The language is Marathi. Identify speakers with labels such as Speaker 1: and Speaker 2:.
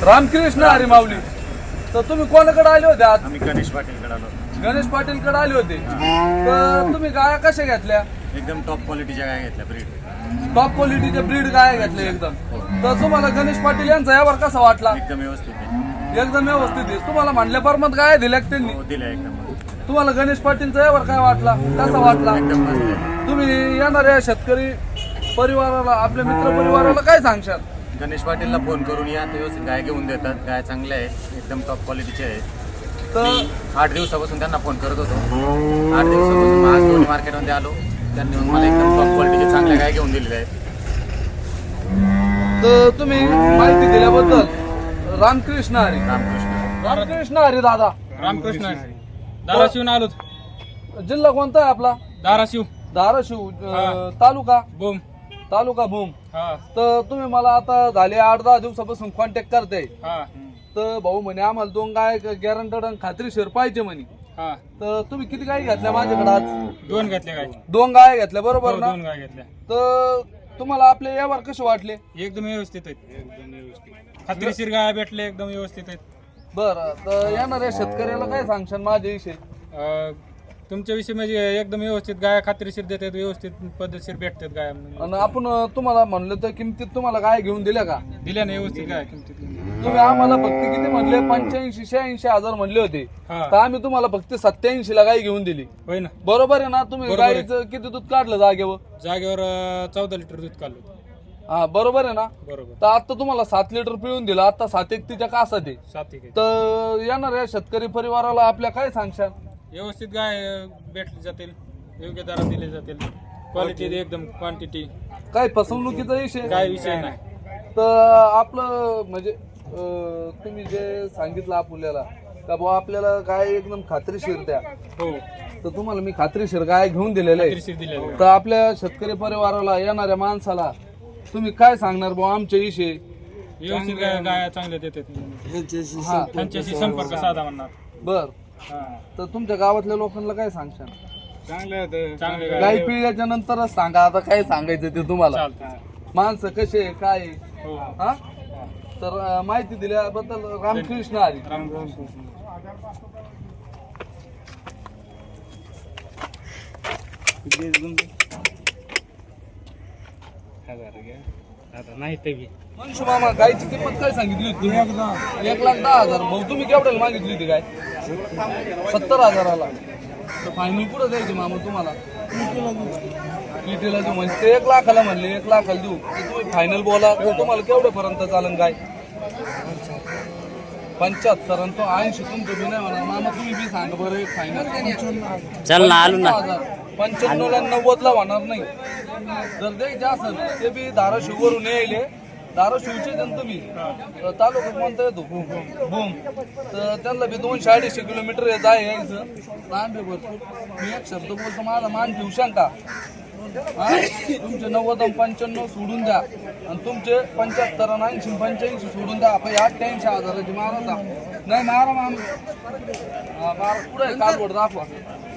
Speaker 1: रामकृष्ण हरी माऊली. तर तुम्ही कोणाकडे आले होते आज?
Speaker 2: आम्ही गणेश पाटीलकडे आलो.
Speaker 1: गणेश पाटीलकडे आले होते. तर तुम्ही गाया कशा घेतल्या?
Speaker 2: एकदम टॉप क्वालिटीच्या गाय घेतल्या, ब्रीड
Speaker 1: टॉप क्वालिटीचे ब्रीड गाय घेतल्या एकदम. तर तुम्हाला गणेश पाटील यांचा यावर कसा वाटला?
Speaker 2: एकदम व्यवस्थित आहे.
Speaker 1: एकदम व्यवस्थित आहे. तुम्हाला म्हणल्या परमत गाय दिल्या का त्यांनी?
Speaker 2: हो, दिल्या एकदम.
Speaker 1: तुम्हाला गणेश पाटीलचा यावर काय वाटला, कसा वाटला?
Speaker 2: एकदम मस्त आहे.
Speaker 1: तुम्ही येणाऱ्या शेतकरी परिवाराला, आपल्या मित्र परिवाराला काय सांगशाल?
Speaker 2: गणेश पाटीलला फोन करून या, ते व्यवस्थित गाय घेऊन देतात. गाय चांगल्या आहे, एकदम टॉप क्वालिटीचे आहे.
Speaker 1: तर
Speaker 2: 8 दिवसापासून त्यांना फोन करत होतो. 8 दिवसापासून आज दोन्ही मार्केटमध्ये आलो. त्यांनी मग मला एकदम टॉप क्वालिटीचे चांगल्या गाय घेऊन दिलेल्या आहेत.
Speaker 1: तर तुम्ही माहिती दिल्याबद्दल रामकृष्ण हरी. रामकृष्ण हरी दादा.
Speaker 3: रामकृष्ण धाराशिवून आलो.
Speaker 1: जिल्हा कोणता आहे आपला?
Speaker 3: धाराशिव.
Speaker 1: धाराशिव.
Speaker 3: हा.
Speaker 1: तालुका
Speaker 3: बोम.
Speaker 1: तालुका भूम.
Speaker 3: हा
Speaker 1: तर तुम्ही मला आता झाले 8-10 दिवसापासून कॉन्टॅक्ट करते.
Speaker 3: हा
Speaker 1: तर भाऊ म्हणे आम्हाला 2 गाय गॅरंटेड आणि खात्रीशीर पाहिजे म्हणे.
Speaker 3: हा.
Speaker 1: तर तुम्ही किती गाय घेतल्या माझ्याकडे आज?
Speaker 3: 2 घेतल्या गाय.
Speaker 1: 2 गाय घेतल्या बरोबर ना?
Speaker 3: 2 गाय घेतल्या.
Speaker 1: तर तुम्हाला आपले यावर कसे वाटले?
Speaker 3: एकदम व्यवस्थित आहेत. खात्रीशीर गाय भेटले, एकदम व्यवस्थित आहेत.
Speaker 1: बरं. तर येणाऱ्या शेतकऱ्याला काय सांगशाल माझ्याविषयी?
Speaker 3: तुमच्याविषयी म्हणजे एकदम व्यवस्थित गाय खात्रीशीर देतात, व्यवस्थित पद्धतशीर भेटतात गाय.
Speaker 1: आणि आपण तुम्हाला म्हणलं तर किमतीत तुम्हाला गाय घेऊन दिल्या का?
Speaker 3: दिल्या ना व्यवस्थित गाय किमतीत.
Speaker 1: तुम्ही आम्हाला फक्त किती म्हणले? 85-86 हजार म्हणले होते.
Speaker 3: हा.
Speaker 1: तर आम्ही तुम्हाला फक्त 87 ला गाय घेऊन दिली.
Speaker 3: होय ना.
Speaker 1: बरोबर आहे ना? तुम्ही
Speaker 3: बरोबर आहे.
Speaker 1: गायचं किती दूध काढलं जागेवर?
Speaker 3: जागेवर 14 लिटर दूध काढलं.
Speaker 1: हा बरोबर आहे ना?
Speaker 3: बरोबर.
Speaker 1: तर आता तुम्हाला 7 लिटर पिळून दिलं. आता 7-1 कासा दे.
Speaker 3: 7 एक.
Speaker 1: तर येणाऱ्या शेतकरी परिवाराला आपल्या काय सांगशाल?
Speaker 3: व्यवस्थित गाय भेटली जातील, योग्य दरात दिले जातील, क्वालिटी एकदम क्वांटिटी,
Speaker 1: काय फसवणुकीचा विषय?
Speaker 3: काय विषय नाही.
Speaker 1: तर आपलं म्हणजे तुम्ही जे सांगितलं आपल्याला का बुवा आपल्याला गाय एकदम खात्रीशीर द्या.
Speaker 3: हो,
Speaker 1: तर तुम्हाला मी खात्रीशीर गाय घेऊन दिलेलं आहे.
Speaker 3: खात्रीशीर दिलेलं.
Speaker 1: तर आपल्या शेतकरी परिवाराला, येणाऱ्या माणसाला तुम्ही काय सांगणार बुवा आमच्या विषयी?
Speaker 3: व्यवस्थित गाय चांगल्या देतात.
Speaker 1: हा.
Speaker 3: त्यांच्याशी संपर्क साधा म्हणणार.
Speaker 1: बर.
Speaker 3: हा.
Speaker 1: तर तुमच्या गावातल्या लोकांना काय सांगशाल?
Speaker 3: चांगले
Speaker 1: गाय पिळल्याच्या नंतरच सांगा. आता काय सांगायचं ते तुम्हाला.
Speaker 3: चालतं.
Speaker 1: माणसं कसे आहे, काय आहे?
Speaker 3: हो.
Speaker 1: हा. तर माहिती दिल्याबद्दल रामकृष्ण हरी.
Speaker 3: नाही ते
Speaker 1: मनशू मामा, गायची किंमत काय सांगितली होती? 1,10,000. भाऊ तुम्ही केवढ्याला मागितली होती गाय? 70,000ला. तर फायनल कुठं द्यायची मामा तुम्हाला? कितीला देऊ म्हणजे? ते 1 लाखाला म्हणले, 1 लाखाला देऊ. तर तुम्ही फायनल बोला. तर तुम्हाला केवढ्यापर्यंत चालेल गाय? 75. आणि तो 80 तुमचं बी नाही म्हणा मामा. तुम्ही बी सांगा बरं एक फायनल.
Speaker 4: चल ना, आलो ना.
Speaker 1: 95ला 90ला होणार नाही. जर द्यायचे असेल ते बी धाराशिववरून यायले. धाराशिवचे जण तुम्ही तालुका कोणता येतो? भूम. तर त्यांना बी 200-250 किलोमीटर यायचं. लांब आहे भरपूर. मी एक शब्द बोलतो, माझा मान ठेवू शंका. तुमचे 90 आणि 95 सोडून द्या, आणि तुमचे 75 आणि 80 85 सोडून द्या. आपण 88,000ची मारा. नाही मारा मारा. पुढे कालवड दाखवा.